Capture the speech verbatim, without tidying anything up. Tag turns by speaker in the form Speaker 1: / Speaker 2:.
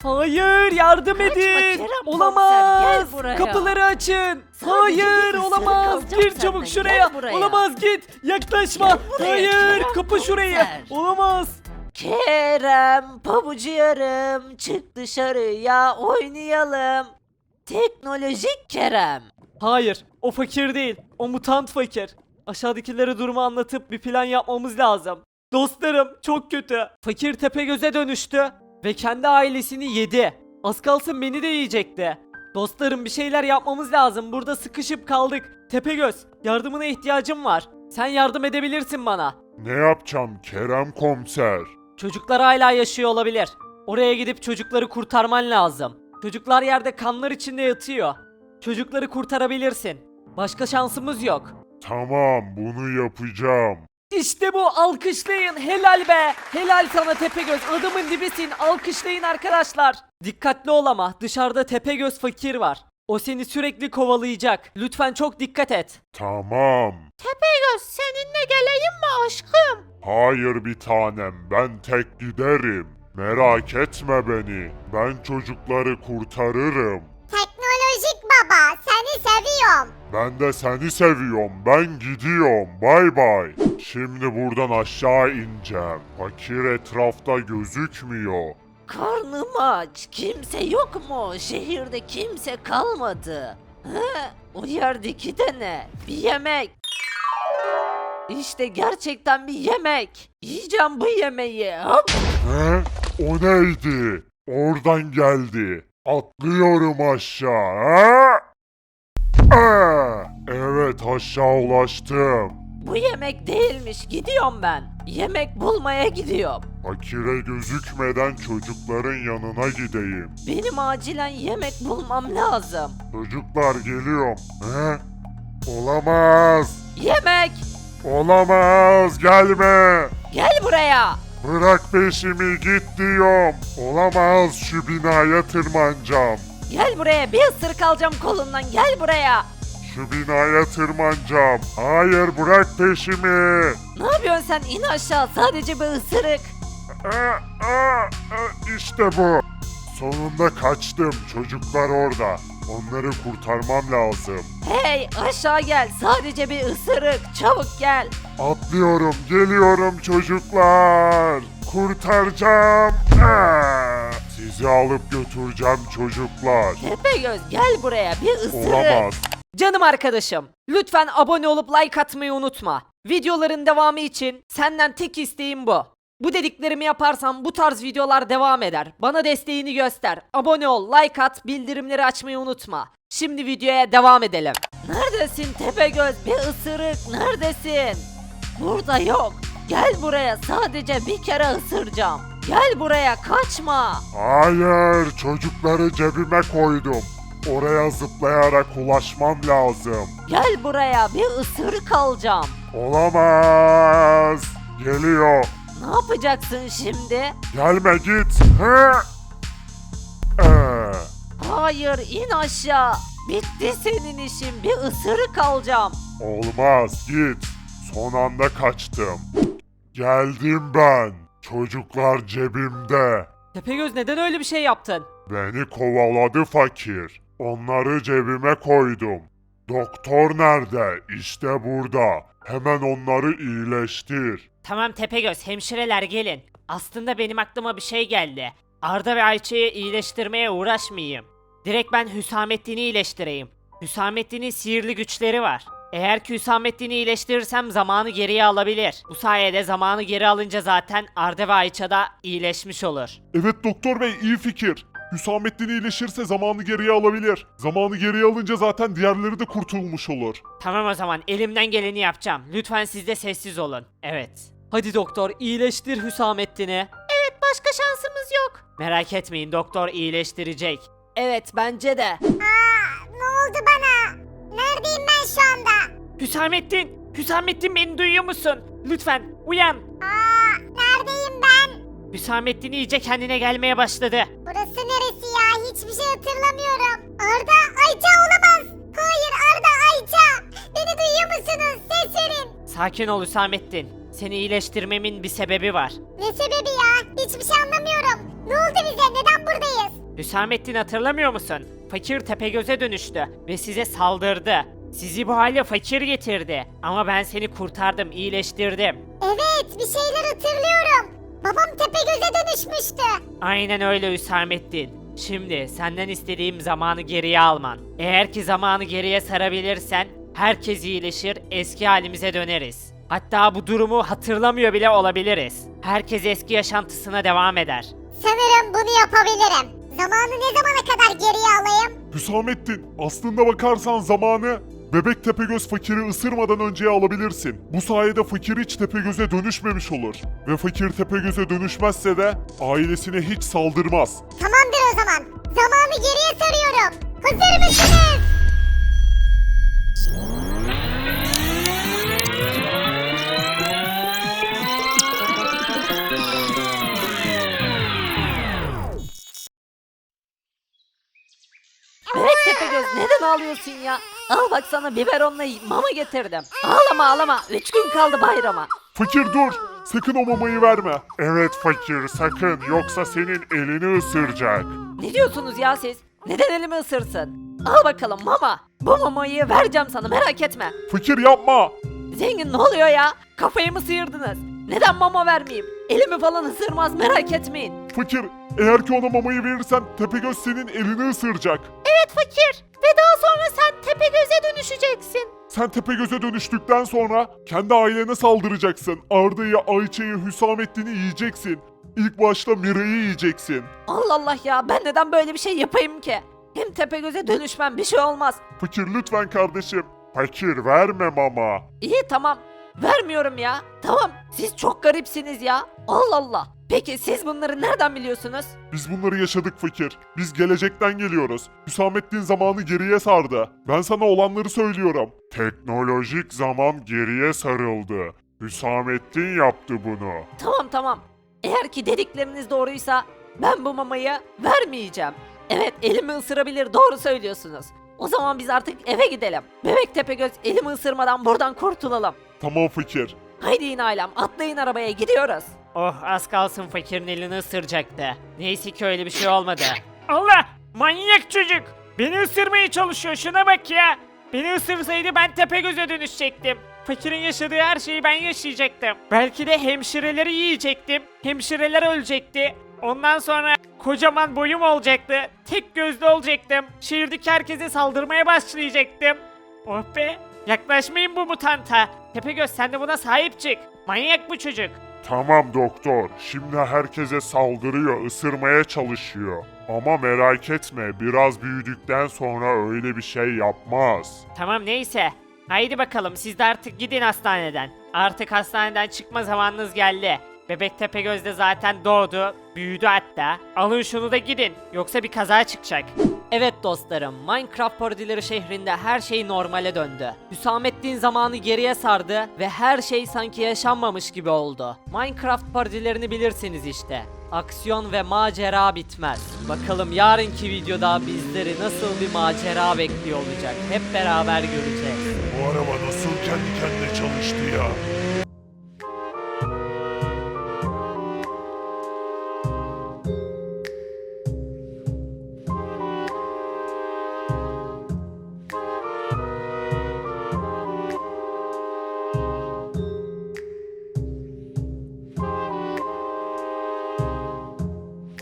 Speaker 1: Hayır, yardım
Speaker 2: Kaçma
Speaker 1: edin.
Speaker 2: Kerem
Speaker 1: Olamaz.
Speaker 2: komiser, gel buraya.
Speaker 1: Kapıları açın.
Speaker 2: Sadece
Speaker 1: Hayır,
Speaker 2: bir ısırık
Speaker 1: olamaz.
Speaker 2: alacağım
Speaker 1: Gir
Speaker 2: senden,
Speaker 1: çabuk
Speaker 2: gel
Speaker 1: şuraya.
Speaker 2: buraya.
Speaker 1: Olamaz, git. Yaklaşma.
Speaker 2: Gel buraya,
Speaker 1: Hayır,
Speaker 2: Kerem
Speaker 1: kapı şurayı.
Speaker 2: komiser.
Speaker 1: Olamaz.
Speaker 2: Kerem pabucu yarım çık dışarıya oynayalım. Teknolojik Kerem.
Speaker 1: Hayır, o fakir değil. O mutant fakir. Aşağıdakilere durumu anlatıp bir plan yapmamız lazım. Dostlarım, çok kötü. Fakir Tepegöz'e dönüştü ve kendi ailesini yedi. Az kalsın beni de yiyecekti. Dostlarım, bir şeyler yapmamız lazım. Burada sıkışıp kaldık. Tepegöz, yardımına ihtiyacım var. Sen yardım edebilirsin bana.
Speaker 3: Ne yapacağım Kerem komiser?
Speaker 1: Çocuklar hala yaşıyor olabilir. Oraya gidip çocukları kurtarman lazım. Çocuklar yerde kanlar içinde yatıyor. Çocukları kurtarabilirsin. Başka şansımız yok.
Speaker 3: Tamam, bunu yapacağım.
Speaker 1: İşte bu, alkışlayın, helal be. Helal sana Tepegöz, adamın dibisin, alkışlayın arkadaşlar. Dikkatli ol ama, dışarıda Tepegöz fakir var. O seni sürekli kovalayacak. Lütfen çok dikkat et.
Speaker 3: Tamam.
Speaker 2: Tepegöz seninle geleyim mi aşkım?
Speaker 3: Hayır bir tanem, ben tek giderim. Merak etme beni. Ben çocukları kurtarırım.
Speaker 4: Teknolojik baba, seni seviyorum.
Speaker 3: Ben de seni seviyorum. Ben gidiyorum. Bay bay. Şimdi buradan aşağı ineceğim. Fakir etrafta gözükmüyor.
Speaker 2: Karnım aç. Kimse yok mu? Şehirde kimse kalmadı. He? O yerdeki de ne? Bir yemek. İşte gerçekten bir yemek. Yiyeceğim bu yemeği. Hop.
Speaker 3: He? O neydi? Oradan geldi. Atlıyorum aşağı. Ha? Aa! Evet, aşağı ulaştım.
Speaker 2: Bu yemek değilmiş. Gidiyorum ben. Yemek bulmaya gidiyorum.
Speaker 3: Fakire gözükmeden çocukların yanına gideyim.
Speaker 2: Benim acilen yemek bulmam lazım.
Speaker 3: Çocuklar geliyorum. He? Olamaz.
Speaker 2: Yemek.
Speaker 3: Olamaz. Gelme.
Speaker 2: Gel buraya.
Speaker 3: Bırak peşimi, git diyorum. Olamaz, şu binaya tırmanacağım.
Speaker 2: Gel buraya. Bir ısırık alacağım kolundan. Gel buraya.
Speaker 3: Şu binaya tırmanacağım. Hayır, bırak peşimi.
Speaker 2: Ne yapıyorsun sen? İn aşağı. Sadece bir ısırık.
Speaker 3: Aa, aa, aa, İşte bu. Sonunda kaçtım. Çocuklar orada. Onları kurtarmam lazım.
Speaker 2: Hey aşağı gel. Sadece bir ısırık. Çabuk gel.
Speaker 3: Atlıyorum, geliyorum çocuklar. Kurtaracağım. Aa, sizi alıp götüreceğim çocuklar.
Speaker 2: Tepegöz gel buraya. Bir ısırık.
Speaker 3: Olamaz.
Speaker 1: Canım arkadaşım, lütfen abone olup like atmayı unutma. Videoların devamı için senden tek isteğim bu. Bu dediklerimi yaparsan bu tarz videolar devam eder. Bana desteğini göster. Abone ol, like at, bildirimleri açmayı unutma. Şimdi videoya devam edelim.
Speaker 2: Neredesin Tepegöz? Bir ısırık. Neredesin? Burada yok. Gel buraya. Sadece bir kere ısıracağım. Gel buraya. Kaçma.
Speaker 3: Hayır, çocukları cebime koydum. Oraya zıplayarak ulaşmam lazım.
Speaker 2: Gel buraya. Bir ısırık alacağım.
Speaker 3: Olamaz. Geliyor.
Speaker 2: Ne yapacaksın şimdi?
Speaker 3: Gelme, git. Hı? Ee,
Speaker 2: Hayır in aşağı. Bitti senin işin. Bir ısırık alacağım.
Speaker 3: olmaz, git. Son anda kaçtım. Geldim ben. Çocuklar cebimde.
Speaker 1: Tepegöz, neden öyle bir şey yaptın?
Speaker 3: Beni kovaladı fakir. Onları cebime koydum. Doktor nerede? İşte burada. Hemen onları iyileştir.
Speaker 1: Tamam Tepegöz, hemşireler gelin. Aslında benim aklıma bir şey geldi. Arda ve Ayça'yı iyileştirmeye uğraşmayayım. Direkt ben Hüsamettin'i iyileştireyim. Hüsamettin'in sihirli güçleri var. Eğer ki Hüsamettin'i iyileştirirsem zamanı geriye alabilir. Bu sayede zamanı geri alınca zaten Arda ve Ayça da iyileşmiş olur.
Speaker 3: Evet doktor bey, iyi fikir. Hüsamettin iyileşirse zamanı geriye alabilir. Zamanı geriye alınca zaten diğerleri de kurtulmuş olur.
Speaker 1: Tamam, o zaman elimden geleni yapacağım. Lütfen siz de sessiz olun. Evet. Hadi doktor, iyileştir Hüsamettin'i.
Speaker 2: Evet başka şansımız yok.
Speaker 1: Merak etmeyin, doktor iyileştirecek.
Speaker 2: Evet bence de.
Speaker 4: Aa, ne oldu bana? Neredeyim ben şu anda?
Speaker 1: Hüsamettin! Hüsamettin, beni duyuyor musun? Lütfen uyan.
Speaker 4: Aa, neredeyim ben?
Speaker 1: Hüsamettin iyice kendine gelmeye başladı.
Speaker 4: Burası neresi ya? Hiçbir şey hatırlamıyorum. Arda, Ayça olamaz. Hayır Arda, Ayça. Beni duyuyor musunuz? Ses verin.
Speaker 1: Sakin ol Hüsamettin. Seni iyileştirmemin bir sebebi var.
Speaker 4: Ne sebebi ya? Hiçbir şey anlamıyorum. Ne oldu bize? Neden buradayız?
Speaker 1: Hüsamettin hatırlamıyor musun? Fakir Tepegöz'e dönüştü ve size saldırdı. Sizi bu hale fakir getirdi. Ama ben seni kurtardım, iyileştirdim.
Speaker 4: Evet, bir şeyler hatırlıyorum. Babam Tepegöz'e dönüşmüştü.
Speaker 1: Aynen öyle Hüsamettin. Şimdi senden istediğim zamanı geriye alman. Eğer ki zamanı geriye sarabilirsen herkes iyileşir, eski halimize döneriz. Hatta bu durumu hatırlamıyor bile olabiliriz. Herkes eski yaşantısına devam eder.
Speaker 4: Sanırım bunu yapabilirim. Zamanı ne zamana kadar geriye alayım?
Speaker 3: Hüsamettin, aslında bakarsan zamanı Bebek Tepegöz fakiri ısırmadan önceye alabilirsin. Bu sayede fakir hiç Tepegöz'e dönüşmemiş olur. Ve fakir Tepegöz'e dönüşmezse de ailesine hiç saldırmaz.
Speaker 4: Tamamdır o zaman. Zamanı geriye sarıyorum. Hazır mısınız?
Speaker 2: Bebek Tepegöz neden ağlıyorsun ya? Al bak sana biberonla mama getirdim. Ağlama ağlama. Üç gün kaldı bayrama.
Speaker 3: Fakir dur! Sakın o mamayı verme. Evet fakir sakın yoksa senin elini ısıracak.
Speaker 2: Ne diyorsunuz ya siz? Neden elimi ısırsın? Al bakalım mama. Bu mamayı vereceğim sana merak etme.
Speaker 3: Fakir yapma!
Speaker 2: Zengin ne oluyor ya? Kafayı mı sıyırdınız? Neden mama vermeyeyim? Elimi falan ısırmaz merak etmeyin.
Speaker 3: Fakir eğer ki ona mamayı verirsen Tepegöz senin elini ısıracak.
Speaker 2: Evet fakir. Ve daha sonra sen Tepegöz'e dönüşeceksin.
Speaker 3: Sen Tepegöz'e dönüştükten sonra kendi ailene saldıracaksın. Arda'yı, Ayça'yı, Hüsamettin'i yiyeceksin. İlk başta Mira'yı yiyeceksin.
Speaker 2: Allah Allah ya ben neden böyle bir şey yapayım ki? Hem Tepegöz'e dönüşmem bir şey olmaz.
Speaker 3: Fakir lütfen kardeşim. Fakir verme mama.
Speaker 2: İyi tamam. Vermiyorum ya. Tamam. Siz çok garipsiniz ya. Allah Allah. Peki siz bunları nereden biliyorsunuz?
Speaker 3: Biz bunları yaşadık fakir. Biz gelecekten geliyoruz. Hüsamettin zamanı geriye sardı. Ben sana olanları söylüyorum. Teknolojik zaman geriye sarıldı. Hüsamettin yaptı bunu.
Speaker 2: Tamam tamam. Eğer ki dedikleriniz doğruysa ben bu mamayı vermeyeceğim. Evet elimi ısırabilir doğru söylüyorsunuz. O zaman biz artık eve gidelim. Bebek Tepegöz elimi ısırmadan buradan kurtulalım.
Speaker 3: Tamam fakir.
Speaker 2: Haydi yine ailem atlayın arabaya gidiyoruz.
Speaker 1: Oh az kalsın fakirin elini ısıracaktı. Neyse ki öyle bir şey olmadı. Allah! Manyak çocuk! Beni ısırmaya çalışıyor şuna bak ya! Beni ısırsaydı ben Tepegöz'e dönüşecektim. Fakirin yaşadığı her şeyi ben yaşayacaktım. Belki de hemşireleri yiyecektim. Hemşireler ölecekti. Ondan sonra kocaman boyum olacaktı. Tek gözlü olacaktım. Şehirdeki herkese saldırmaya başlayacaktım. Oh be! Yaklaşmayın bu mutanta. Tepegöz sen de buna sahip çık. Manyak bu çocuk.
Speaker 3: Tamam doktor. Şimdi herkese saldırıyor, ısırmaya çalışıyor. Ama merak etme, biraz büyüdükten sonra öyle bir şey yapmaz.
Speaker 1: Tamam neyse. Haydi bakalım siz de artık gidin hastaneden. Artık hastaneden çıkma zamanınız geldi. Bebek Tepegöz de zaten doğdu, büyüdü hatta. Alın şunu da gidin, yoksa bir kaza çıkacak.
Speaker 2: Evet dostlarım, Minecraft parodileri şehrinde her şey normale döndü. Hüsamettin zamanı geriye sardı ve her şey sanki yaşanmamış gibi oldu. Minecraft parodilerini bilirsiniz işte. Aksiyon ve macera bitmez. Bakalım yarınki videoda bizleri nasıl bir macera bekliyor olacak. Hep beraber göreceğiz.
Speaker 3: Bu araba nasıl kendi kendine çalıştı ya?